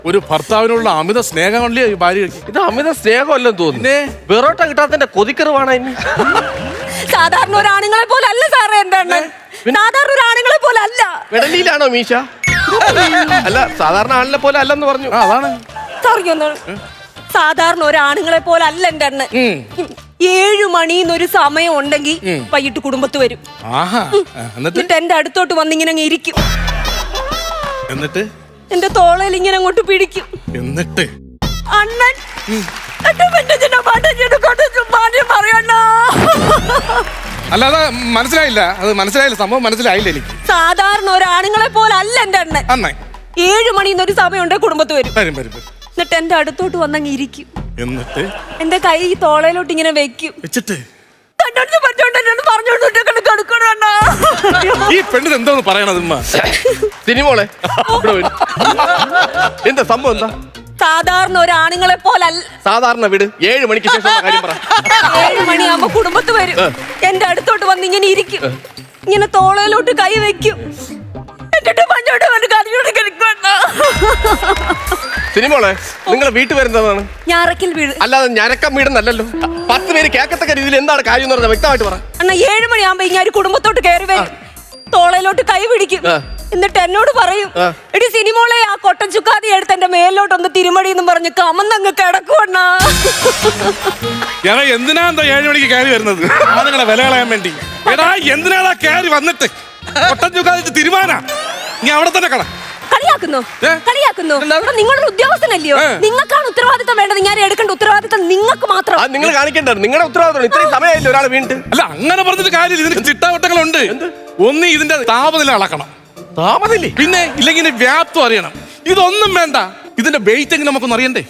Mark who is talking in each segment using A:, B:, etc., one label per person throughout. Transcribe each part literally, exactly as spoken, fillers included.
A: ഒരു ഭർത്താവിനുള്ള അമിത സ്നേഹമല്ലേ ഈ ഭാര്യയ്ക്ക്?
B: ഇത് അമിത സ്നേഹമല്ലെന്ന് തോന്നുന്നു. വെറോട്ട കിട്ടാത്തതിന്റെ കൊതിക്കറിവാണ് ഇനി.
C: സാധാരണ ഒരു ആണുങ്ങളെ പോലെ അല്ല സാറേ എന്താണ്, സാധാരണ ഒരു ആണുങ്ങളെ പോലെ അല്ല.
B: വെടലിയിലാണോ മീശ? അല്ല, സാധാരണ ആളിനെ പോലെ അല്ലെന്ന് പറഞ്ഞു.
A: അതാണ്
C: സാധാരണ ഒരു ആണുങ്ങളെ പോലെ അല്ല എന്റെ അണ്ണൻ. ഏഴു മണിന്നൊരു സമയം ഉണ്ടെങ്കിൽ വൈകിട്ട് കുടുംബത്ത് വരും. എന്നിട്ട് എന്റെ അടുത്തോട്ട് വന്നിങ്ങനെ അങ്ങ് ഇരിക്കും.
A: എന്നിട്ട്
C: എന്റെ തോളയിൽ ഇങ്ങനെ അങ്ങോട്ട് പിടിക്കും.
A: എന്നിട്ട്
C: അണ്ണൻ
A: അല്ലാതെ മനസ്സിലായില്ല, അത് മനസ്സിലായില്ല, സംഭവം മനസ്സിലായില്ല എനിക്ക്.
C: സാധാരണ ഒരു ആണുങ്ങളെ പോലെ അല്ല എന്റെ അണ്ണൻ.
A: അണ്ണൻ
C: ഏഴു മണിന്നൊരു സമയം ഉണ്ടെങ്കിൽ കുടുംബത്ത് വരും.
A: വരും വരും വരും.
C: എന്നിട്ട് എന്റെ അടുത്തോട്ട് വന്നങ്ങ് ഇരിക്കും.
A: എന്നിട്ട്
C: എന്റെ കൈ തോളയിലോട്ട് ഇങ്ങനെ വെക്കും.
A: വെച്ചിട്ട്
C: പറഞ്ഞോണ്ട്
A: ഈ പെണ്ണിന് എന്തോന്ന് പറയണത്?
B: സിനിമോളെ എന്താ സംഭവം? എന്താ
C: സാധാരണ ഒരു ആണുങ്ങളെ പോലെ അല്ല.
B: സാധാരണ വീട് ഏഴു മണിക്ക് ശേഷം കാര്യം പറ.
C: ഏഴു മണിയാകുമ്പോ കുടുംബത്ത് വരും. എന്റെ അടുത്തോട്ട് വന്ന് ഇങ്ങനെ ഇരിക്കും. ഇങ്ങനെ തോളയിലോട്ട് കൈ വെക്കും.
B: സിനിമോളെ, നിങ്ങളെ വീട്ടിൽ വരുന്നതാണ്
C: ഞാറക്കൽ വീട്,
B: അല്ലാതെ ഞരക്കം വീടെന്നല്ലോ. പത്ത് പേര് കേൾക്കത്തക്ക രീതിയിൽ എന്താണ് കാര്യം എന്ന് പറഞ്ഞാൽ വ്യക്തമായിട്ട് പറ.
C: അണ്ണാ, ഏഴു മണിയാകുമ്പോ ഇങ്ങനെ കുടുംബത്തോട്ട് കയറി വരും. തോളയിലോട്ട് കൈ പിടിക്കും. എന്നിട്ട് എന്നോട് പറയും, എടി സിനിമോളെ, ആ കൊട്ടൻ ചുക്കാതി എടുത്ത് എന്റെ മേലോട്ടൊന്ന് തിരുമടി എന്നും പറഞ്ഞ് കമന്നങ്ങ് കിടക്കുവണ്ണാ.
A: എടാ, എന്തിനാ എന്താ ഏഴു മണിക്ക് കയറി വരുന്നത്? ആളുകളെ വില കളയാൻ വേണ്ടി. എടാ, എന്തിനാടാ കയറി വന്നിട്ട് കൊട്ടൻ ചുക്കാതി തിരുമാനാ? നീ അവിടെ തന്നെ കട
C: കളിയാക്കുന്നു കളിയാക്കുന്നു നിങ്ങളുടെ ഉദ്യോഗസ്ഥനല്ലയോ? നിങ്ങൾക്കാണ് ഉത്തരവാദിത്തം വേണ്ടത്. ഞാൻ എടുക്കേണ്ട ഉത്തരവാദിത്തം നിങ്ങൾക്ക് മാത്രം.
B: നിങ്ങൾ കാണിക്കേണ്ടത് നിങ്ങളുടെ ഉത്തരവാദിത്തം. ഇത്രയും സമയമില്ല ഒരാൾ വീണ്ടും.
A: അല്ല, അങ്ങനെ പറഞ്ഞിട്ട് കാര്യമില്ല. ഇതിന് ചിട്ടാവട്ടങ്ങളുണ്ട്. ഒന്ന് ഇതിന്റെ താപനില അളക്കണം.
B: താപനില
A: പിന്നെ ഇല്ലെങ്കിൽ വ്യാപ്തം അറിയണം. ഇതൊന്നും വേണ്ട. ഇതിന്റെ വെയിറ്റ് എങ്ങനെ നമുക്കൊന്നും അറിയണ്ടേ?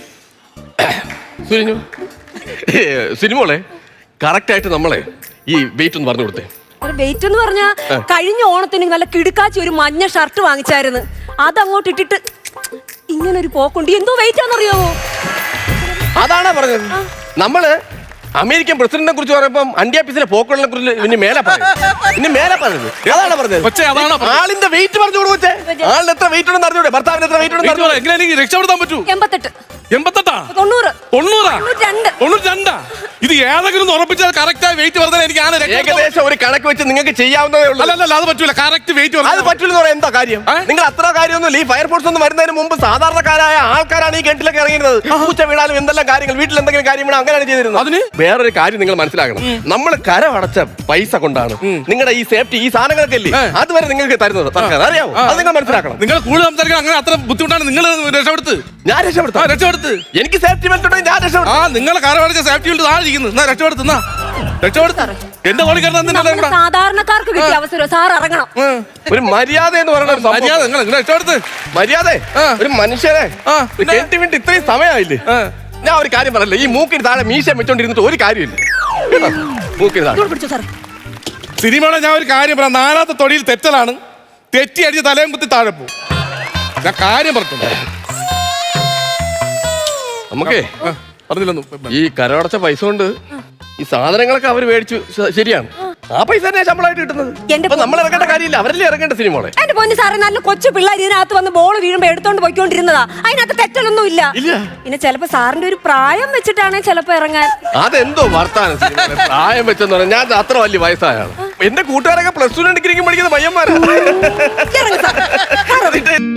B: സിനിമോളെ, കറക്റ്റ് ആയിട്ട് നമ്മളെ ഈ വെയിറ്റ് ഒന്ന് പറഞ്ഞു കൊടുത്തേ.
C: വെയിറ്റ് എന്ന് പറഞ്ഞാ കഴിഞ്ഞ ഓണത്തിന് നല്ല കിടുക്കാച്ചി ഒരു മഞ്ഞ ഷർട്ട് വാങ്ങിച്ചായിരുന്നു. അതങ്ങോട്ട് ഇട്ടിട്ട് ഇങ്ങനെ ഒരു പോക്കുണ്ട്. എന്തോ വെയിറ്റ് ആണെന്നറിയാവോ?
B: അതാണോ പറഞ്ഞത്? നമ്മള് അമേരിക്കൻ പ്രസിഡന്റിനെ കുറിച്ച് പറയുമ്പോൾ അന്ത്യാപ്പീസിലെ പോക്കുകളെ കുറിച്ച് ഇനി മേലെ പറഞ്ഞു ഇനി മേലെ പറഞ്ഞത് അതാണ് പറഞ്ഞത്. ആളിന്റെ വെയിറ്റ് പറഞ്ഞു കൊടുക്കേ. ആളിന് എത്ര വെയിറ്റ് ഉണ്ടെന്ന് അറിഞ്ഞൂടെ? ഭർത്താവിന് എത്ര വെയിറ്റ് ഉണ്ടെന്ന്
A: എങ്ങനെ രക്ഷപ്പെടുത്താൻ പറ്റൂ?
C: എൺപത്തെട്ട്
A: എൺപത്തെട്ടാ
C: തൊണ്ണൂറ്
A: തൊണ്ണൂറാ തൊണ്ണൂറ്റി രണ്ടാ. ഇത് ഏതെങ്കിലും ഉറപ്പിച്ചാൽ കറക്റ്റ് ആയി വെയിറ്റ് പറഞ്ഞാൽ എനിക്ക് ആണ്
B: ഏകദേശം ഒരു കണക്ക് വെച്ച് നിങ്ങൾക്ക് ചെയ്യാവുന്നതേ ഉള്ളൂ.
A: അല്ലല്ല, അത് പറ്റൂല. കറക്റ്റ് വെയിറ്റ്
B: അത് പറ്റൂലെന്ന് പറയാൻ എന്താ കാര്യം? നിങ്ങൾ അത്ര കാര്യമൊന്നും ഈ ഫയർഫോഴ്സ് ഒന്നും വരുന്നതിന് മുമ്പ് സാധാരണക്കാരായ ആൾക്കാരാണ് ഈ കിണറ്റിലൊക്കെ ഇറങ്ങിയിരുന്നത്. പൂച്ച വീണാലും എന്തെല്ലാം കാര്യങ്ങൾ, വീട്ടിൽ എന്തെങ്കിലും കാര്യം വീണാൽ അങ്ങനെയാണ് ചെയ്തിരുന്നത്. അതിന് വേറൊരു കാര്യം നിങ്ങൾ മനസ്സിലാക്കണം. നമ്മൾ കരമടച്ച പൈസ കൊണ്ടാണ് നിങ്ങളുടെ ഈ സേഫ്റ്റി, ഈ സാധനങ്ങളൊക്കെ ഇല്ലേ അതുവരെ നിങ്ങൾക്ക് തരുന്നത്. അറിയാമോ? അത് നിങ്ങൾ മനസ്സിലാക്കണം.
A: നിങ്ങൾ കൂടുതൽ സംസാരിക്കണം. അങ്ങനെ അത്ര ബുദ്ധിമുട്ടാണ്. നിങ്ങൾ രക്ഷപ്പെടുത്ത്.
B: ഞാൻ രക്ഷപ്പെടുത്താം.
A: രക്ഷപ്പെടുത്ത്.
B: എനിക്ക് സേഫ്റ്റി ബെൽറ്റ് ഉണ്ടെങ്കിൽ ഞാൻ രക്ഷപ്പെടും.
A: ആ, നിങ്ങളെ കരമടച്ച സേഫ്റ്റി ബെൽറ്റ് താഴെ ഇരിക്കുന്നു. രക്ഷപ്പെടുത്തുന്ന രക്ഷപ്പെടുത്ത എന്റെ തോളി കിടന്ന
C: സാധാരണക്കാർക്ക് കിട്ടിയ അവസരം സാർ ഇറങ്ങണം.
B: ഒരു മര്യാദ എന്ന് പറയുന്നത്
A: മര്യാദ. നിങ്ങൾ രക്ഷപ്പെടുത്ത്.
B: മര്യാദ ഒരു മനുഷ്യരെ കെട്ടി വിട്ട് ഇത്രയും സമയമായില്ലേ? ഞാൻ ഒരു കാര്യം പറയല്ലേ, ഈ മൂക്കിന് താഴെ മീശ വെച്ചോണ്ടിരുന്നിട്ട് ഒരു കാര്യമില്ല. മൂക്കിന് താഴെ
A: സിനിമയുടെ ഞാൻ ഒരു കാര്യം പറയാം. നാലാമത്തെ തൊടിയിൽ തെറ്റലാണ്. തെറ്റി അടിച്ച് തലയും കുത്തി താഴെ പോകും. ഞാൻ കാര്യം പറഞ്ഞു.
B: നമുക്കേ
A: പറഞ്ഞില്ലെന്നു
B: ഈ കരമടച്ച പൈസ കൊണ്ട് ഈ സാധനങ്ങളൊക്കെ അവർ മേടിച്ചു. ശരിയാണ്, ആ പൈസ തന്നെ ശമ്പളമായിട്ട് കിട്ടുന്നത്. നമ്മൾ ഇറങ്ങേണ്ട കാര്യമില്ല, അവരല്ലേ ഇറങ്ങേണ്ട. സിനിമോളെ,
C: എന്റെ പൊന്നു സാറേ, നല്ല കൊച്ചു പിള്ളേർ ഇതിനകത്ത് വന്ന് ബോൾ വീഴുമ്പോ എടുത്തോണ്ട് പോയിക്കൊണ്ടിരുന്നതാ. അതിനകത്ത് തെറ്റലൊന്നും ഇല്ല. പിന്നെ ചിലപ്പോ സാറിന്റെ ഒരു പ്രായം വെച്ചിട്ടാണ് ചിലപ്പോ ഇറങ്ങാൻ.
B: അതെന്തോ വർത്താനം പ്രായം വെച്ചെന്ന് പറഞ്ഞാൽ ഞാൻ അത്ര വലിയ വയസ്സായാണ്. എന്റെ കൂട്ടുകാരൊക്കെ പ്ലസ് ടു ഡിഗ്രിക്ക് പഠിക്കുന്ന പയ്യന്മാരാണ്.